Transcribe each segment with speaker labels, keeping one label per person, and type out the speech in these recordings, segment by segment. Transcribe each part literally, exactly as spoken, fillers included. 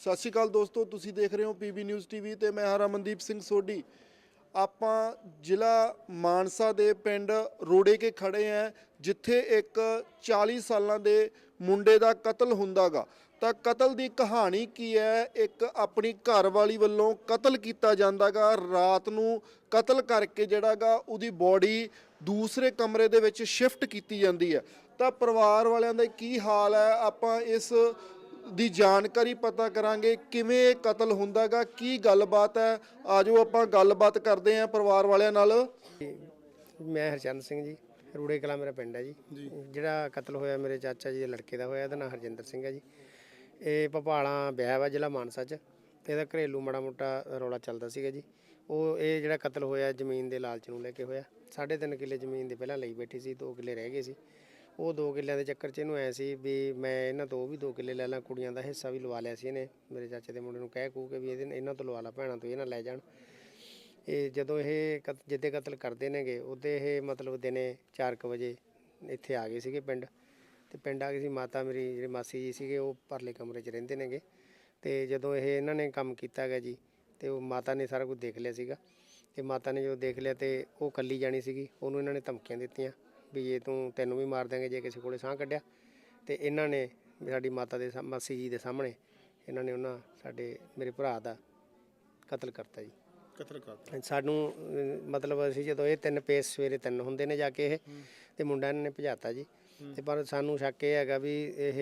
Speaker 1: ਸਤਿ ਸ਼੍ਰੀ ਅਕਾਲ ਦੋਸਤੋ, ਤੁਸੀਂ ਦੇਖ ਰਹੇ ਹੋ ਪੀਬੀ ਨਿਊਜ਼ ਟੀਵੀ ਤੇ ਮੈਂ ਹਾਂ ਰਮਨਦੀਪ ਸਿੰਘ ਸੋਢੀ। ਆਪਾਂ ਜ਼ਿਲ੍ਹਾ ਮਾਨਸਾ ਦੇ ਪਿੰਡ ਰੋੜੇ ਕੇ ਖੜੇ ਹਾਂ, ਜਿੱਥੇ ਇੱਕ ਚਾਲੀ ਸਾਲਾਂ ਦੇ ਮੁੰਡੇ ਦਾ ਕਤਲ ਹੁੰਦਾਗਾ। ਤਾਂ ਕਤਲ ਦੀ ਕਹਾਣੀ ਕੀ ਹੈ? ਇੱਕ ਆਪਣੀ ਘਰ ਵਾਲੀ ਵੱਲੋਂ ਕਤਲ ਕੀਤਾ ਜਾਂਦਾਗਾ। ਰਾਤ ਨੂੰ ਕਤਲ ਕਰਕੇ ਜਿਹੜਾਗਾ ਉਹਦੀ ਬੋਡੀ ਦੂਸਰੇ ਕਮਰੇ ਦੇ ਵਿੱਚ ਸ਼ਿਫਟ ਕੀਤੀ ਜਾਂਦੀ ਹੈ। ਤਾਂ ਪਰਿਵਾਰ ਵਾਲਿਆਂ ਦਾ ਕੀ ਹਾਲ ਹੈ, ਆਪਾਂ ਇਸ ਦੀ ਜਾਣਕਾਰੀ ਪਤਾ ਕਰਾਂਗੇ। ਕਿਵੇਂ ਕਤਲ ਹੁੰਦਾਗਾ, ਕੀ ਗੱਲਬਾਤ ਹੈ, ਆਜੋ ਆਪਾਂ ਗੱਲਬਾਤ ਕਰਦੇ ਹਾਂ ਪਰਿਵਾਰ ਵਾਲਿਆਂ ਨਾਲ।
Speaker 2: ਮੈਂ ਹਰਚੰਦ ਸਿੰਘ ਜੀ, ਰੂੜੇ ਕਲਾਂ ਮੇਰਾ ਪਿੰਡ ਹੈ ਜੀ। ਜਿਹੜਾ ਕਤਲ ਹੋਇਆ ਮੇਰੇ ਚਾਚਾ ਜੀ ਦੇ ਲੜਕੇ ਦਾ ਹੋਇਆ, ਇਹਦਾ ਨਾਂ ਹਰਜਿੰਦਰ ਸਿੰਘ ਹੈ ਜੀ। ਇਹ ਭਪਾਲਾਂ ਵਿਆਹ ਵਾ ਜ਼ਿਲ੍ਹਾ ਮਾਨਸਾ 'ਚ। ਇਹਦਾ ਘਰੇਲੂ ਮਾੜਾ ਮੋਟਾ ਰੌਲਾ ਚੱਲਦਾ ਸੀਗਾ ਜੀ। ਉਹ ਇਹ ਜਿਹੜਾ ਕਤਲ ਹੋਇਆ ਜ਼ਮੀਨ ਦੇ ਲਾਲਚ ਨੂੰ ਲੈ ਕੇ ਹੋਇਆ। ਸਾਢੇ ਤਿੰਨ ਕਿੱਲੇ ਜ਼ਮੀਨ ਦੇ ਪਹਿਲਾਂ ਲਈ ਬੈਠੀ ਸੀ, ਦੋ ਕਿੱਲੇ ਰਹਿ ਗਏ ਸੀ। ਉਹ ਦੋ ਕਿੱਲਿਆਂ ਦੇ ਚੱਕਰ 'ਚ ਇਹਨੂੰ ਐ ਸੀ ਵੀ ਮੈਂ ਇਹਨਾਂ ਤੋਂ ਉਹ ਵੀ ਦੋ ਕਿੱਲੇ ਲੈ ਲਾਂ, ਕੁੜੀਆਂ ਦਾ ਹਿੱਸਾ ਵੀ ਲਵਾ ਲਿਆ ਸੀ ਇਹਨੇ। ਮੇਰੇ ਚਾਚੇ ਦੇ ਮੁੰਡੇ ਨੂੰ ਕਹਿ ਕੂ ਕੇ ਵੀ ਇਹਦੇ ਇਹਨਾਂ ਤੋਂ ਲਵਾ ਲਾ, ਭੈਣਾਂ ਤੋਂ ਇਹ ਨਾ ਲੈ ਜਾਣ। ਇਹ ਜਦੋਂ ਇਹ ਕਤ ਜਿੱਦੇ ਕਤਲ ਕਰਦੇ ਨੇਗੇ ਉਹਦੇ ਇਹ ਮਤਲਬ ਦਿਨੇ ਚਾਰ ਕੁ ਵਜੇ ਇੱਥੇ ਆ ਗਏ ਸੀਗੇ ਪਿੰਡ। ਅਤੇ ਪਿੰਡ ਆ ਗਏ ਸੀ। ਮਾਤਾ ਮੇਰੀ ਜਿਹੜੇ ਮਾਸੀ ਜੀ ਸੀਗੇ ਉਹ ਪਰਲੇ ਕਮਰੇ 'ਚ ਰਹਿੰਦੇ ਨੇਗੇ। ਅਤੇ ਜਦੋਂ ਇਹ ਇਹਨਾਂ ਨੇ ਕੰਮ ਕੀਤਾ ਗਾ ਜੀ, ਅਤੇ ਉਹ ਮਾਤਾ ਨੇ ਸਾਰਾ ਕੁਝ ਦੇਖ ਲਿਆ ਸੀਗਾ। ਅਤੇ ਮਾਤਾ ਨੇ ਜਦੋਂ ਦੇਖ ਲਿਆ ਅਤੇ ਉਹ ਇਕੱਲੀ ਜਾਣੀ ਸੀਗੀ, ਉਹਨੂੰ ਇਹਨਾਂ ਨੇ ਧਮਕੀਆਂ ਦਿੱਤੀਆਂ ਵੀ ਜੇ ਤੂੰ ਤੈਨੂੰ ਵੀ ਮਾਰ ਦਿਆਂਗੇ ਜੇ ਕਿਸੇ ਕੋਲੇ ਸਾਹ ਕੱਢਿਆ। ਅਤੇ ਇਹਨਾਂ ਨੇ ਸਾਡੀ ਮਾਤਾ ਦੇ ਮਾਸੀ ਜੀ ਦੇ ਸਾਹਮਣੇ ਇਹਨਾਂ ਨੇ ਉਹਨਾਂ ਸਾਡੇ ਮੇਰੇ ਭਰਾ ਦਾ ਕਤਲ ਕਰਤਾ ਜੀ।
Speaker 1: ਕਤਲ ਕਰਤਾ
Speaker 2: ਸਾਨੂੰ ਮਤਲਬ ਅਸੀਂ ਜਦੋਂ ਇਹ ਤਿੰਨ ਪੇਸ ਸਵੇਰੇ ਤਿੰਨ ਹੁੰਦੇ ਨੇ ਜਾ ਕੇ ਇਹ ਅਤੇ ਮੁੰਡਾ ਇਹਨਾਂ ਨੇ ਭਜਾਤਾ ਜੀ। ਅਤੇ ਪਰ ਸਾਨੂੰ ਸ਼ੱਕ ਇਹ ਹੈਗਾ ਵੀ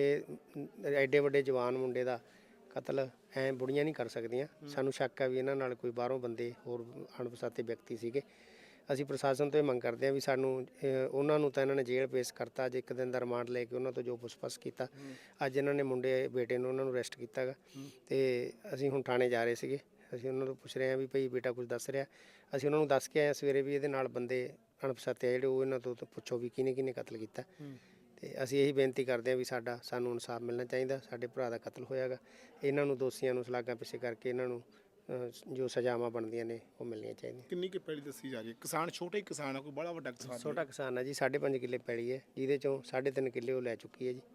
Speaker 2: ਇਹ ਐਡੇ ਵੱਡੇ ਜਵਾਨ ਮੁੰਡੇ ਦਾ ਕਤਲ ਐਂ ਬੁੜੀਆਂ ਨਹੀਂ ਕਰ ਸਕਦੀਆਂ। ਸਾਨੂੰ ਸ਼ੱਕ ਹੈ ਵੀ ਇਹਨਾਂ ਨਾਲ ਕੋਈ ਬਾਹਰੋਂ ਬੰਦੇ ਹੋਰ ਅਣਪਛਾਤੇ ਵਿਅਕਤੀ ਸੀਗੇ। ਅਸੀਂ ਪ੍ਰਸ਼ਾਸਨ ਤੋਂ ਇਹ ਮੰਗ ਕਰਦੇ ਹਾਂ ਵੀ ਸਾਨੂੰ ਉਹਨਾਂ ਨੂੰ ਤਾਂ ਇਹਨਾਂ ਨੇ ਜੇਲ੍ਹ ਪੇਸ਼ ਕਰਤਾ। ਅੱਜ ਇੱਕ ਦਿਨ ਦਾ ਰਿਮਾਂਡ ਲੈ ਕੇ ਉਹਨਾਂ ਤੋਂ ਜੋ ਪੁੱਛਪਛ ਕੀਤਾ, ਅੱਜ ਇਹਨਾਂ ਨੇ ਮੁੰਡੇ ਬੇਟੇ ਨੂੰ ਉਹਨਾਂ ਨੂੰ ਅਰੈਸਟ ਕੀਤਾ ਗਾ। ਅਤੇ ਅਸੀਂ ਹੁਣ ਥਾਣੇ ਜਾ ਰਹੇ ਸੀਗੇ। ਅਸੀਂ ਉਹਨਾਂ ਤੋਂ ਪੁੱਛ ਰਹੇ ਹਾਂ ਵੀ ਭਾਈ ਬੇਟਾ ਕੁਝ ਦੱਸ ਰਿਹਾ। ਅਸੀਂ ਉਹਨਾਂ ਨੂੰ ਦੱਸ ਕੇ ਆਏ ਸਵੇਰੇ ਵੀ ਇਹਦੇ ਨਾਲ ਬੰਦੇ ਅਣਪਛਾਤੇ ਆ ਜਿਹੜੇ, ਉਹ ਇਹਨਾਂ ਤੋਂ ਪੁੱਛੋ ਵੀ ਕਿਹਨੇ ਕਿਹਨੇ ਕਤਲ ਕੀਤਾ। ਅਤੇ ਅਸੀਂ ਇਹੀ ਬੇਨਤੀ ਕਰਦੇ ਹਾਂ ਵੀ ਸਾਡਾ ਸਾਨੂੰ ਇਨਸਾਫ ਮਿਲਣਾ ਚਾਹੀਦਾ। ਸਾਡੇ ਭਰਾ ਦਾ ਕਤਲ ਹੋਇਆ ਗਾ, ਇਹਨਾਂ ਨੂੰ ਦੋਸ਼ੀਆਂ ਨੂੰ ਸਲਾਖਾਂ ਪਿੱਛੇ ਕਰਕੇ ਇਹਨਾਂ ਨੂੰ ਜੋ ਸਜ਼ਾਵਾਂ ਬਣਦੀਆਂ ਨੇ ਉਹ ਮਿਲਣੀਆਂ ਚਾਹੀਦੀਆਂ।
Speaker 3: ਕਿੰਨੀ ਕੁ ਪੈਲੀ ਦੱਸੀ ਜਾ ਰਹੀ ਹੈ? ਕਿਸਾਨ ਛੋਟਾ ਹੀ ਕਿਸਾਨ ਹੈ, ਕੋਈ ਬੜਾ ਵੱਡਾ ਕਿਸਾਨ?
Speaker 2: ਛੋਟਾ ਕਿਸਾਨ ਹੈ ਜੀ, ਸਾਢੇ ਪੰਜ ਕਿੱਲੇ ਪੈਲੀ ਹੈ, ਜਿਹਦੇ ਚੋਂ ਸਾਢੇ ਤਿੰਨ ਕਿੱਲੇ ਉਹ ਲੈ ਚੁੱਕੀ ਹੈ ਜੀ।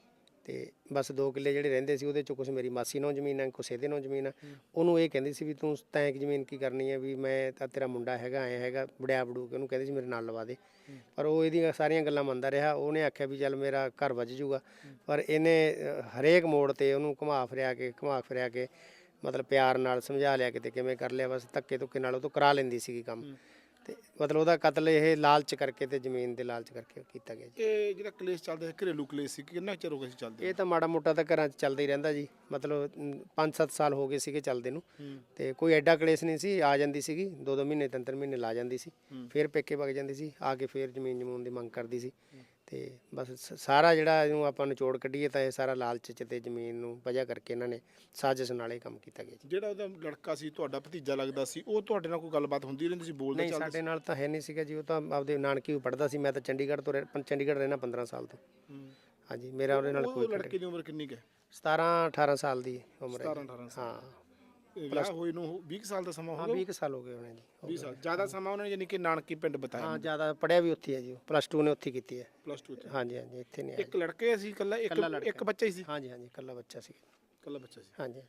Speaker 2: ਅਤੇ ਬਸ ਦੋ ਕਿੱਲੇ ਜਿਹੜੇ ਰਹਿੰਦੇ ਸੀ ਉਹਦੇ 'ਚੋਂ ਕੁਛ ਮੇਰੀ ਮਾਸੀ ਨੂੰ ਜ਼ਮੀਨ ਹੈ, ਕੁਛ ਇਹਦੇ ਨੂੰ ਜ਼ਮੀਨ ਹੈ। ਉਹਨੂੰ ਇਹ ਕਹਿੰਦੀ ਸੀ ਵੀ ਤੂੰ ਤੈਂ ਜ਼ਮੀਨ ਕੀ ਕਰਨੀ ਹੈ, ਵੀ ਮੈਂ ਤਾਂ ਤੇਰਾ ਮੁੰਡਾ ਹੈਗਾ ਐਂ ਹੈਗਾ ਵੜਿਆ ਵੜੂ ਕੇ ਉਹਨੂੰ ਕਹਿੰਦੀ ਸੀ ਮੇਰੇ ਨਾਲ ਲਵਾ ਦੇ। ਪਰ ਉਹ ਇਹਦੀਆਂ ਸਾਰੀਆਂ ਗੱਲਾਂ ਮੰਨਦਾ ਰਿਹਾ। ਉਹਨੇ ਆਖਿਆ ਵੀ ਚੱਲ ਮੇਰਾ ਘਰ ਵੱਜ ਜੂਗਾ, ਪਰ ਇਹਨੇ ਹਰੇਕ ਮੋੜ 'ਤੇ ਉਹਨੂੰ ਘੁਮਾ ਫਿਰਿਆ ਕੇ ਘੁਮਾ ਫਿਰਿਆ ਕੇ ਮਤਲਬ ਪਿਆਰ ਨਾਲ ਸਮਝਾ ਲਿਆ, ਕਿਤੇ ਕਿਵੇਂ ਕਰ ਲਿਆ, ਬਸ ਧੱਕੇ ਧੁੱਕੇ ਨਾਲ ਉਹ ਤੋਂ ਕਰਾ ਲੈਂਦੀ ਸੀਗੀ ਕੰਮ। ਅਤੇ ਮਤਲਬ ਉਹਦਾ ਕਤਲ ਇਹ ਲਾਲਚ ਕਰਕੇ ਅਤੇ ਜ਼ਮੀਨ ਦੇ ਲਾਲਚ ਕਰਕੇ ਕੀਤਾ ਗਿਆ ਜੀ।
Speaker 3: ਇਹ ਜਿਹੜਾ ਕਲੇਸ਼ ਚੱਲਦਾ ਹੈ, ਘਰੇਲੂ ਕਲੇਸ਼ ਸੀ, ਕਿੰਨਾ ਚਿਰ ਹੋ ਗਿਆ ਸੀ ਚੱਲਦੇ?
Speaker 2: ਇਹ ਤਾਂ ਮਾੜਾ ਮੋਟਾ ਤਾਂ ਘਰਾਂ 'ਚ ਚੱਲਦਾ ਹੀ ਰਹਿੰਦਾ ਜੀ। ਮਤਲਬ ਪੰਜ ਸੱਤ ਸਾਲ ਹੋ ਗਏ ਸੀਗੇ ਚੱਲਦੇ ਨੂੰ। ਅਤੇ ਕੋਈ ਐਡਾ ਕਲੇਸ਼ ਨਹੀਂ ਸੀ। ਆ ਜਾਂਦੀ ਸੀਗੀ, ਦੋ ਦੋ ਮਹੀਨੇ ਤਿੰਨ ਤਿੰਨ ਮਹੀਨੇ ਲਾ ਜਾਂਦੀ ਸੀ, ਫਿਰ ਪੇਕੇ ਵਗ ਜਾਂਦੀ ਸੀ, ਆ ਕੇ ਫਿਰ ਜ਼ਮੀਨ ਜਮੂਨ ਦੀ ਮੰਗ ਕਰਦੀ ਸੀ। ਅਤੇ ਬਸ ਸਾਰਾ ਜਿਹੜਾ ਇਹਨੂੰ ਆਪਾਂ ਨਿਚੋੜ ਕੱਢੀਏ ਤਾਂ ਇਹ ਸਾਰਾ ਲਾਲਚ 'ਚ ਅਤੇ ਜ਼ਮੀਨ ਨੂੰ ਵਜ੍ਹਾ ਕਰਕੇ ਇਹਨਾਂ ਨੇ ਸਾਜ਼ਿਸ਼ ਨਾਲ ਇਹ ਕੰਮ ਕੀਤਾ ਗਿਆ ਜੀ।
Speaker 3: ਜਿਹੜਾ ਉਹਦਾ ਲੜਕਾ ਸੀ, ਤੁਹਾਡਾ ਭਤੀਜਾ ਲੱਗਦਾ ਸੀ, ਉਹ ਤੁਹਾਡੇ ਨਾਲ ਕੋਈ ਗੱਲਬਾਤ ਹੁੰਦੀ ਰਹਿੰਦੀ ਸੀ, ਬੋਲਦੇ
Speaker 2: ਨਹੀਂ ਸਾਡੇ ਨਾਲ ਤਾਂ ਹੈ ਨਹੀਂ ਸੀਗਾ ਜੀ। ਉਹ ਤਾਂ ਆਪਦੇ ਨਾਨਕੀ ਵੀ ਪੜ੍ਹਦਾ ਸੀ। ਮੈਂ ਤਾਂ ਚੰਡੀਗੜ੍ਹ ਤੋਂ ਰਹਿ ਚੰਡੀਗੜ੍ਹ ਰਹਿਣਾ ਪੰਦਰਾਂ ਸਾਲ ਤੋਂ। ਹਾਂਜੀ, ਮੇਰਾ ਉਹਦੇ ਨਾਲ ਕੋਈ
Speaker 3: ਲੜਕੇ ਦੀ ਉਮਰ ਕਿੰਨੀ ਕੁ ਹੈ?
Speaker 2: ਸਤਾਰਾਂ ਅਠਾਰਾਂ ਸਾਲ ਦੀ ਉਮਰ ਹੈ।
Speaker 3: ਸਤਾਰਾਂ ਅਠਾਰਾਂ ਸਾਲ।
Speaker 2: ਹਾਂ,
Speaker 3: ਵਿਆਹ ਹੋਏ ਨੂੰ ਵੀਹ ਸਾਲ ਦਾ ਸਮਾਂ ਹੋ
Speaker 2: ਹਾਂ
Speaker 3: ਗਿਆ।
Speaker 2: ਵੀਹ ਕੁ ਸਾਲ ਹੋ ਗਏ ਹੋਣੇ ਜੀ।
Speaker 3: ਵੀਹ ਸਾਲ ਜ਼ਿਆਦਾ ਸਮਾਂ ਉਹਨਾਂ ਨੇ ਯਾਨੀ ਕਿ ਨਾਨਕੀ ਪਿੰਡ ਬਤਾਇਆ?
Speaker 2: ਹਾਂ, ਜ਼ਿਆਦਾ ਪੜ੍ਹਿਆ ਵੀ ਉੱਥੇ ਹੈ ਜੀ। ਪਲੱਸ ਟੂ ਨੇ ਉੱਥੇ ਕੀਤੀ ਹੈ।
Speaker 3: ਪਲੱਸ ਟੂ 'ਚ?
Speaker 2: ਹਾਂਜੀ ਹਾਂਜੀ, ਇੱਥੇ ਨਹੀਂ ਆਇਆ।
Speaker 3: ਇੱਕ ਲੜਕੇ ਸੀ ਇਕੱਲਾ? ਇੱਕ ਇੱਕ ਬੱਚਾ ਹੀ ਸੀ?
Speaker 2: ਹਾਂਜੀ ਹਾਂਜੀ, ਇਕੱਲਾ ਬੱਚਾ ਸੀ।
Speaker 3: ਇਕੱਲਾ ਬੱਚਾ ਸੀ।
Speaker 2: ਹਾਂਜੀ।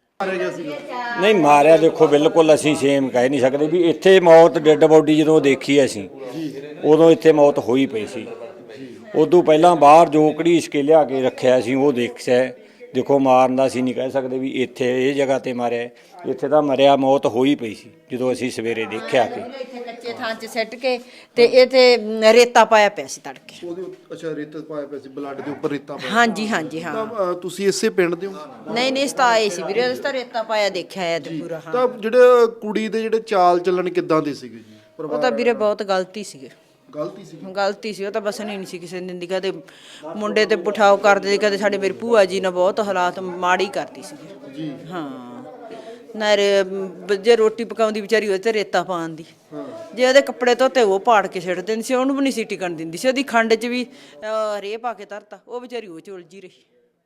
Speaker 4: ਨਹੀਂ ਮਾਰਿਆ ਦੇਖੋ ਬਿਲਕੁਲ ਅਸੀਂ ਸੇਮ ਕਹਿ ਨਹੀਂ ਸਕਦੇ ਵੀ ਇੱਥੇ ਮੌਤ ਡੈੱਡ ਬੋਡੀ ਜਦੋਂ ਦੇਖੀ ਅਸੀਂ ਉਦੋਂ ਇੱਥੇ ਮੌਤ ਹੋਈ ਪਈ ਸੀ। ਉਦੋਂ ਪਹਿਲਾਂ ਬਾਹਰ ਜੋ ਘੜੀਸ ਕੇ ਲਿਆ ਕੇ ਰੱਖਿਆ ਸੀ ਉਹ ਦੇਖਿਆ। ਦੇਖੋ ਮਾਰਨ ਦਾ ਅਸੀਂ ਨਹੀਂ ਕਹਿ ਸਕਦੇ ਵੀ ਇੱਥੇ ਇਹ ਜਗ੍ਹਾ 'ਤੇ ਮਾਰਿਆ। ਇੱਥੇ ਤਾਂ ਮਰਿਆ ਮੌਤ ਹੋਈ ਪਈ ਸੀ ਜਦੋਂ ਅਸੀਂ ਸਵੇਰੇ ਦੇਖਿਆ ਕਿ
Speaker 5: ਇੱਥੇ ਕੱਚੇ ਥਾਂ 'ਚ ਸਿੱਟ ਕੇ ਤੇ ਇਹ ਤੇ ਰੇਤਾ ਪਾਇਆ ਪਿਆ ਸੀ ਤੜਕੇ।
Speaker 1: ਉਹਦੇ ਅੱਛਾ ਰੇਤਾ ਪਾਇਆ ਪਿਆ ਸੀ, ਬਲੱਡ ਦੇ ਉੱਪਰ ਰੇਤਾ ਪਾਇਆ।
Speaker 5: ਹਾਂਜੀ ਹਾਂਜੀ ਹਾਂ।
Speaker 1: ਤਾਂ ਤੁਸੀਂ ਇਸੇ ਪਿੰਡ ਦੇ ਹੋ?
Speaker 5: ਨਹੀਂ ਨਹੀਂ, ਇਸ ਤਾਂ ਆਏ ਸੀ ਵੀਰੇ, ਇਸ ਤਾਂ ਰੇਤਾ ਪਾਇਆ ਦੇਖਿਆ ਹੈ ਤੇ ਪੂਰਾ। ਹਾਂ,
Speaker 1: ਤਾਂ ਜਿਹੜੇ ਕੁੜੀ ਦੇ ਜਿਹੜੇ ਚਾਲ ਚੱਲਣ ਕਿੱਦਾਂ ਦੇ ਸੀਗੇ ਜੀ?
Speaker 5: ਉਹ ਤਾਂ ਵੀਰੇ ਬਹੁਤ ਗਲਤੀ ਸੀਗੇ।
Speaker 1: ਗਲਤੀ ਸੀ?
Speaker 5: ਗਲਤੀ ਸੀ, ਉਹ ਤਾਂ ਬਸਣੀ ਨਹੀਂ ਸੀ ਕਿਸੇ ਦਿਨ ਦੀ। ਕਦੇ ਮੁੰਡੇ ਤੇ ਪੁਠਾਓ ਕਰਦੇ ਸੀ, ਕਦੇ ਸਾਡੇ ਮੇਰੀ ਭੂਆ ਜੀ ਨੇ ਬਹੁਤ ਹਾਲਾਤ ਮਾੜੀ ਕਰਦੀ ਸੀ ਜੀ। ਹਾਂ, ਨਾ ਜੇ ਰੋਟੀ ਪਕਾਉਂਦੀ ਵਿਚਾਰੀ ਉਹਦੇ ਤੇ ਰੇਤਾ ਪਾਉਣ ਦੀ, ਜੇ ਉਹਦੇ ਕੱਪੜੇ ਧੋਤੇ ਉਹ ਪਾੜ ਕੇ ਛੱਡ ਦਿੰਦੀ ਸੀ, ਉਹਨੂੰ ਵੀ ਨਹੀਂ ਸੀ ਟਿਕਣ ਦਿੰਦੀ ਸੀ। ਉਹਦੀ ਖੰਡ 'ਚ ਵੀ ਰੇਹ ਪਾ ਕੇ ਧਰਤਾ, ਉਹ ਵਿਚਾਰੀ ਉਹ 'ਚ ਉਲਝੀ ਰਹੀ।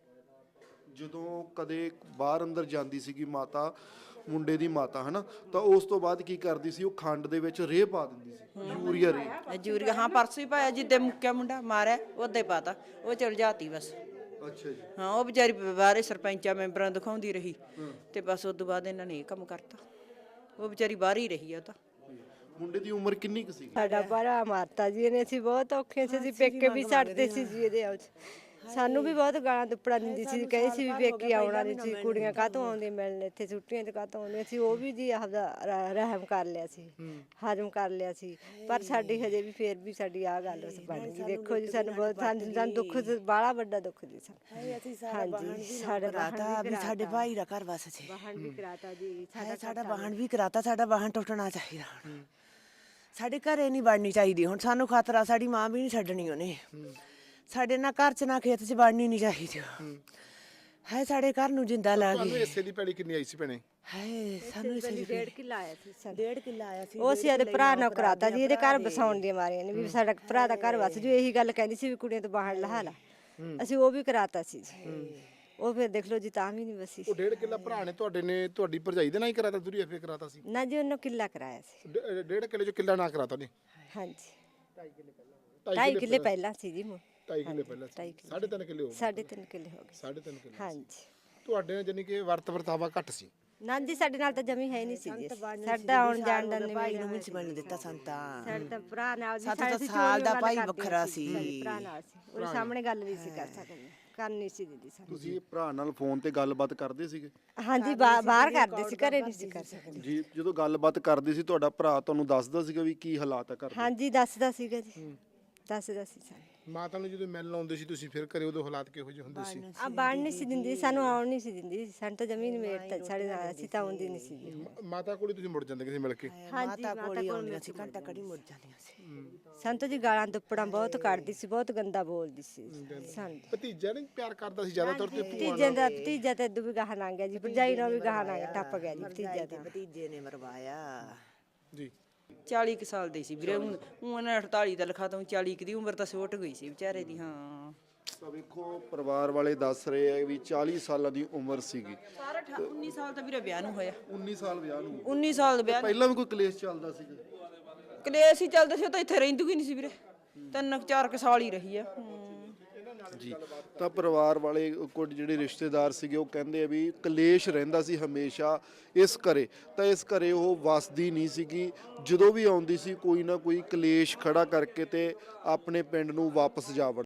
Speaker 1: ਜਦੋਂ ਕਦੇ ਬਾਹਰ ਅੰਦਰ ਜਾਂਦੀ ਸੀਗੀ ਮਾਤਾ, ਮੁੰਡੇ ਦੀ ਮਾਤਾ ਹਨਾ, ਤਾਂ ਉਸ ਤੋਂ ਬਾਅਦ ਕੀ ਕਰਦੀ ਸੀ? ਉਹ ਖੰਡ ਦੇ ਵਿੱਚ ਰੇਹ ਪਾ ਦਿੰਦੀ ਸੀ, ਯੂਰੀਆ ਰੇਹ।
Speaker 5: ਯੂਰੀਆ ਹਾਂ, ਪਰਸੋਂ ਹੀ ਪਾਇਆ ਜਿੱਦੇ ਮੁੱਕਿਆ ਮੁੰਡਾ ਮਾਰਿਆ ਉਹਦੇ ਪਾਤਾ, ਉਹ ਚਲ ਜਾਤੀ ਬਸ।
Speaker 1: ਅੱਛਾ ਜੀ।
Speaker 5: ਹਾਂ ਉਹ ਵਿਚਾਰੀ ਬਾਹਰੇ ਸਰਪੰਚਾਂ ਮੈਂਬਰਾਂ ਨੂੰ ਦਿਖਾਉਂਦੀ ਰਹੀ ਤੇ ਬਸ ਉਸ ਤੋਂ ਬਾਅਦ ਇਹਨਾਂ ਨੇ ਇਹ ਕੰਮ ਕਰਤਾ। ਉਹ ਵਿਚਾਰੀ ਬਾਹਰ ਹੀ ਰਹੀ ਆ ਉਹ ਤਾਂ।
Speaker 1: ਮੁੰਡੇ ਦੀ ਉਮਰ ਕਿੰਨੀ ਕੁ ਸੀ?
Speaker 6: ਸਾਡਾ ਭਰਾ ਮਾਰਤਾ ਜੀ ਇਹਨੇ, ਅਸੀਂ ਬਹੁਤ ਔਖੇ ਸੀ, ਅਸੀਂ ਪੇਕੇ ਵੀ ਛੱਡਦੇ ਸੀ ਜੀ ਇਹਦੇ ਆਉ ਸਾਨੂੰ ਵੀ ਬਹੁਤ ਗਾਲਾਂ ਦੁੱਪੜਾ ਦਿੰਦੀ ਸੀ, ਕਹੇ ਸੀ ਵੀ ਪੇਕੀ ਆਉਣਾ ਨਹੀਂ ਸੀ, ਕੁੜੀਆਂ ਕਾਹਤੋਂ ਆਉਂਦੀਆਂ ਮਿਲਣ ਇੱਥੇ, ਛੁੱਟੀਆਂ ਤੇ ਕਾਹਤੋਂ ਆਉਂਦੀਆਂ ਸੀ। ਉਹ ਵੀ ਜੀ ਆਪਦਾ ਰ- ਰਹਿਮ ਕਰ ਲਿਆ ਸੀ, ਹਜਮ ਕਰ ਲਿਆ ਸੀ, ਪਰ ਸਾਡੀ ਹਜੇ ਵੀ ਫੇਰ ਵੀ ਸਾਡੀ ਆਹ ਗੱਲ ਬਣ ਗਈ। ਦੇਖੋ ਜੀ ਸਾਨੂੰ ਬਹੁਤ ਸਾਨੂੰ ਸਾਨੂੰ ਦੁੱਖ ਬਾਹਲਾ ਵੱਡਾ ਦੁੱਖ ਜੀ ਸਾਨੂੰ। ਹਾਂਜੀ ਸਾਡੇ
Speaker 7: ਕਰਾਤਾ ਵੀ ਸਾਡੇ ਭਾਈ ਦਾ ਘਰ ਵਸ ਸੀ,
Speaker 6: ਵਾਹਣ ਵੀ ਕਰਾਤਾ ਜੀ,
Speaker 7: ਸਾਡਾ ਸਾਡਾ ਵਾਹਣ ਵੀ ਕਰਾਤਾ, ਸਾਡਾ ਵਾਹਣ ਟੁੱਟਣਾ ਚਾਹੀਦਾ ਹੁਣ। ਸਾਡੇ ਘਰੇ ਨਹੀਂ ਵੜਨੀ ਚਾਹੀਦੀ ਹੁਣ, ਸਾਨੂੰ ਖਤਰਾ, ਸਾਡੀ ਮਾਂ ਵੀ ਨਹੀਂ ਛੱਡਣੀ ਉਹਨੇ। ਸਾਡੇ ਨਾ ਘਰ ਚ ਨਾ ਖੇਤ ਚ ਵੜਨੀ ਨਹੀਂ ਚਾਹੀਦੀ। ਹਾਏ ਸਾਡੇ ਘਰ ਨੂੰ ਜਿੰਦਾ ਲਾ
Speaker 3: ਤੁਹਾਨੂੰ
Speaker 7: ਗਈ।
Speaker 3: ਹਿੱਸੇ ਦੀ ਪੈਲੀ ਕਿੰਨੀ ਆਈ ਸੀ ਭੈਣੇ?
Speaker 7: ਹਾਏ ਸਾਨੂੰ ਇਸੇ ਦੀ
Speaker 6: ਡੇਢ ਕਿੱਲਾ ਆਇਆ ਸੀ ਸਾਨੂੰ।
Speaker 7: ਡੇਢ ਕਿੱਲਾ ਆਇਆ ਸੀ।
Speaker 6: ਉਹ ਅਸੀਂ ਇਹਦੇ ਭਰਾ ਨਾਲ ਕਰਾਤਾ ਜੀ, ਇਹਦੇ ਘਰ ਬਸਾਉਣ ਦੀਆਂ ਮਾਰੀਆਂ ਨੇ ਵੀ ਸਾਡਾ ਭਰਾ ਦਾ ਘਰ ਵਸ ਜੂ, ਇਹੀ ਗੱਲ ਕਹਿੰਦੀ ਸੀ ਵੀ ਕੁੜੀਆਂ ਤੋਂ ਬਾਹਰ ਲਹਾ ਲਾ। ਅਸੀਂ ਉਹ ਵੀ ਕਰਾਤਾ ਸੀ ਜੀ। ਉਹ ਫਿਰ ਦੇਖ ਲਓ ਜੀ ਤਾਂ ਵੀ ਨਹੀਂ ਵਸੀ।
Speaker 3: ਉਹ ਡੇਢ ਕਿੱਲਾ ਭਰਾ ਨੇ ਤੁਹਾਡੇ ਨੇ ਤੁਹਾਡੀ ਭਰਜਾਈ ਦੇ ਨਾਲ ਹੀ ਕਰਾਤਾ, ਦੂਰੀ ਐਫਏ ਕਰਾਤਾ ਸੀ?
Speaker 6: ਨਾ ਜੀ ਉਹਨੂੰ ਕਿੱਲਾ ਕਰਾਇਆ ਸੀ।
Speaker 3: ਡੇ- ਡੇਢ ਕਿੱਲੇ ਚੋਂ ਕਿੱਲਾ ਨਾ ਕਰਾਤਾ ਨੇ?
Speaker 6: ਹਾਂਜੀ ਢਾਈ ਕਿੱਲੇ ਪਹਿਲਾਂ ਸੀ ਜੀ ਮੁ-
Speaker 3: ਢਾਈ ਕਿੱਲੇ ਪਹਿਲਾਂ ਸੀ। ਸਾਢੇ ਤਿੰਨ ਕਿੱਲੇ ਹੋ ਗਏ।
Speaker 6: ਸਾਢੇ ਤਿੰਨ ਕਿੱਲੇ ਹੋ ਗਏ।
Speaker 3: ਸਾਢੇ ਤਿੰਨ ਕਿੱਲੇ
Speaker 6: ਹਾਂਜੀ
Speaker 3: ਤੁਹਾਡੇ ਨਾਲ ਜਾਨੀ ਕਿ ਵਰਤ ਵਰਤਾਵਾ ਘੱਟ ਸੀ।
Speaker 6: ਨਾ ਜੀ ਸਾਡੇ ਨਾਲ ਤਾਂ ਜਮੀ ਹੈ ਹੀ ਨਹੀਂ ਸੀ ਜੀ, ਸਾਡਾ ਆਉਣ ਜਾਣ ਦਾ ਨਹੀਂ
Speaker 7: ਭਾਈ ਨੂੰ ਵੀ ਮਿਲਣ ਦਿੱਤਾ ਸੰਤਾ।
Speaker 6: ਸਾਡੇ ਤਾਂ ਭਰਾ ਨਾਲ ਜੀ,
Speaker 7: ਸਾਡਾ
Speaker 6: ਸਾਡੇ
Speaker 7: ਤਾਂ
Speaker 6: ਅਸੀਂ
Speaker 7: ਸਾਲ ਦਾ
Speaker 6: ਚੋਰੀਆਂ
Speaker 7: ਭਾਈ
Speaker 6: ਗੱਲ
Speaker 7: ਵੱਖਰਾ
Speaker 6: ਕਰਦੇ
Speaker 7: ਸੀ।
Speaker 6: ਸਾਡੇ ਭਰਾ ਨਾਲ ਸੀ, ਉਹਦੇ ਸਾਹਮਣੇ ਗੱਲ ਨਹੀਂ ਸੀ ਕਰ ਸਕਦੇ, ਕਰਨੀ ਸੀ ਦੀਦੀ ਸਾਨੂੰ।
Speaker 1: ਤੁਸੀਂ ਭਰਾ ਨਾਲ ਫੋਨ ਤੇ ਗੱਲਬਾਤ ਕਰਦੇ ਸੀਗੇ?
Speaker 6: ਹਾਂਜੀ ਬਾ- ਬਾਹਰ ਕਰਦੇ ਸੀ, ਘਰੇ ਨਹੀਂ ਸੀ ਕਰ ਸਕਦੇ।
Speaker 1: ਜੀ ਜਦੋਂ ਗੱਲਬਾਤ ਕਰਦੇ ਸੀ ਤੁਹਾਡਾ ਭਰਾ ਤੁਹਾਨੂੰ ਦੱਸਦਾ ਸੀਗਾ ਵੀ ਕੀ ਹਾਲਾਤ ਆ ਘਰ ਦੇ?
Speaker 6: ਹਾਂਜੀ ਦੱਸਦਾ ਸੀਗਾ ਜੀ, ਦੱਸਦਾ ਸੀ ਸਾਨੂੰ।
Speaker 3: ਮਾਤਾ ਨੂੰ ਜਦੋਂ ਮਿਲਣ ਆਉਂਦੇ ਸੀ ਤੁਸੀਂ ਫਿਰ ਘਰੇ, ਉਦੋਂ ਹਾਲਾਤ ਕਿਹੋ ਜਿਹੇ ਹੁੰਦੇ ਸੀ?
Speaker 6: ਆ ਬਾਣ ਨਹੀਂ ਸੀ ਦਿੰਦੀ ਸਾਨੂੰ, ਆਉਣ ਨਹੀਂ ਸੀ ਦਿੰਦੀ ਸਾਨੂੰ, ਤਾਂ ਜ਼ਮੀਨ ਮੇਟ ਸਾਡੇ ਨਾਲ, ਅਸੀਂ ਤਾਂ ਆਉਂਦੀ ਨਹੀਂ ਸੀ ਜੀ।
Speaker 3: ਮ- ਮਾਤਾ ਕੋਲ ਹੀ ਤੁਸੀਂ ਮੁੜ ਜਾਂਦੇ ਕਿਸੇ ਮਿਲ ਕੇ?
Speaker 7: ਮਾਤਾ ਕੋਲ ਹੀ ਆਉਂਦੀਆਂ ਸੀ, ਘੰਟਾ ਕੜੀ ਮੁੜ ਜਾਂਦੀਆਂ ਸੀ।
Speaker 6: ਸਾਨੂੰ ਤਾਂ ਜੀ ਗਾਲਾਂ ਦੁੱਪੜਾਂ ਬਹੁਤ ਕੱਢਦੀ ਸੀ, ਬਹੁਤ ਗੰਦਾ ਬੋਲਦੀ ਸੀ ਸਾਨੂੰ।
Speaker 3: ਭਤੀਜਾ ਨੇ ਪਿਆਰ ਕਰਦਾ ਸੀ ਜ਼ਿਆਦਾਤਰ ਤੇ ਭੂਆ
Speaker 6: ਭਤੀਜੇ ਦਾ ਭਤੀਜਾ ਤਾਂ ਇਦੋਂ ਵੀ ਗਾਹਾਂ ਲੰਘ ਗਿਆ ਜੀ, ਭਰਜਾਈ ਨਾਲ ਵੀ ਗਾਹਾਂ ਲੰਘ ਟੱਪ ਗਿਆ ਜੀ ਭਤੀਜਾ ਤਾਂ।
Speaker 7: ਭਤੀਜੇ ਨੇ ਮਰਵਾਇਆ
Speaker 3: ਜੀ।
Speaker 5: ਚਾਲੀ ਕੁ ਸਾਲ ਦੇ ਸੀ ਵੀਰੇ, ਹੁਣ ਉਹਨਾਂ ਅਠਤਾਲੀ ਦਾ ਲਿਖਾ ਤਾਂ ਚਾਲੀ ਕੁ ਦੀ ਉਮਰ ਤਾਂ ਛੋਟ ਗਈ ਸੀ ਵਿਚਾਰੇ ਦੀ। ਹਾਂ
Speaker 1: ਤਾਂ ਵੇਖੋ ਪਰਿਵਾਰ ਵਾਲੇ ਦੱਸ ਰਹੇ ਆ ਵੀ ਚਾਲੀ ਸਾਲਾਂ ਦੀ ਉਮਰ ਸੀਗੀ।
Speaker 5: ਸਾਰਾ ਅਠਾ- ਉੱਨੀ ਸਾਲ ਤਾਂ ਵੀਰੇ ਵਿਆਹ ਨੂੰ ਹੋਇਆ।
Speaker 1: ਉੱਨੀ ਸਾਲ ਵਿਆਹ ਨੂੰ।
Speaker 5: ਉੱਨੀ ਸਾਲ ਦਾ ਵਿਆਹ
Speaker 1: ਪਹਿਲਾਂ ਵੀ ਕੋਈ ਕਲੇਸ਼ ਚੱਲਦਾ ਸੀਗਾ?
Speaker 5: ਕਲੇਸ਼ ਹੀ ਚੱਲਦਾ ਸੀ, ਉਹ ਤਾਂ ਇੱਥੇ ਰਹਿੰਦੀ ਹੀ ਨਹੀਂ ਸੀ ਵੀਰੇ, ਤਿੰਨ ਕੁ ਚਾਰ ਕੁ ਸਾਲ ਹੀ ਰਹੀ ਆ। ਹੂੰ।
Speaker 1: ਜੀ ਤਾਂ ਪਰਿਵਾਰ ਵਾਲੇ ਕੁਝ ਜਿਹੜੇ ਰਿਸ਼ਤੇਦਾਰ ਸੀਗੇ ਉਹ ਕਹਿੰਦੇ ਆ ਵੀ ਕਲੇਸ਼ ਰਹਿੰਦਾ ਸੀ ਹਮੇਸ਼ਾ ਇਸ ਘਰੇ, ਤਾਂ ਇਸ ਘਰੇ ਉਹ ਵਸਦੀ ਨਹੀਂ ਸੀਗੀ। ਜਦੋਂ ਵੀ ਆਉਂਦੀ ਸੀ ਕੋਈ ਨਾ ਕੋਈ ਕਲੇਸ਼ ਖੜਾ ਕਰਕੇ ਤੇ ਆਪਣੇ ਪਿੰਡ ਨੂੰ ਵਾਪਸ ਜਾ ਵੜਦੀ।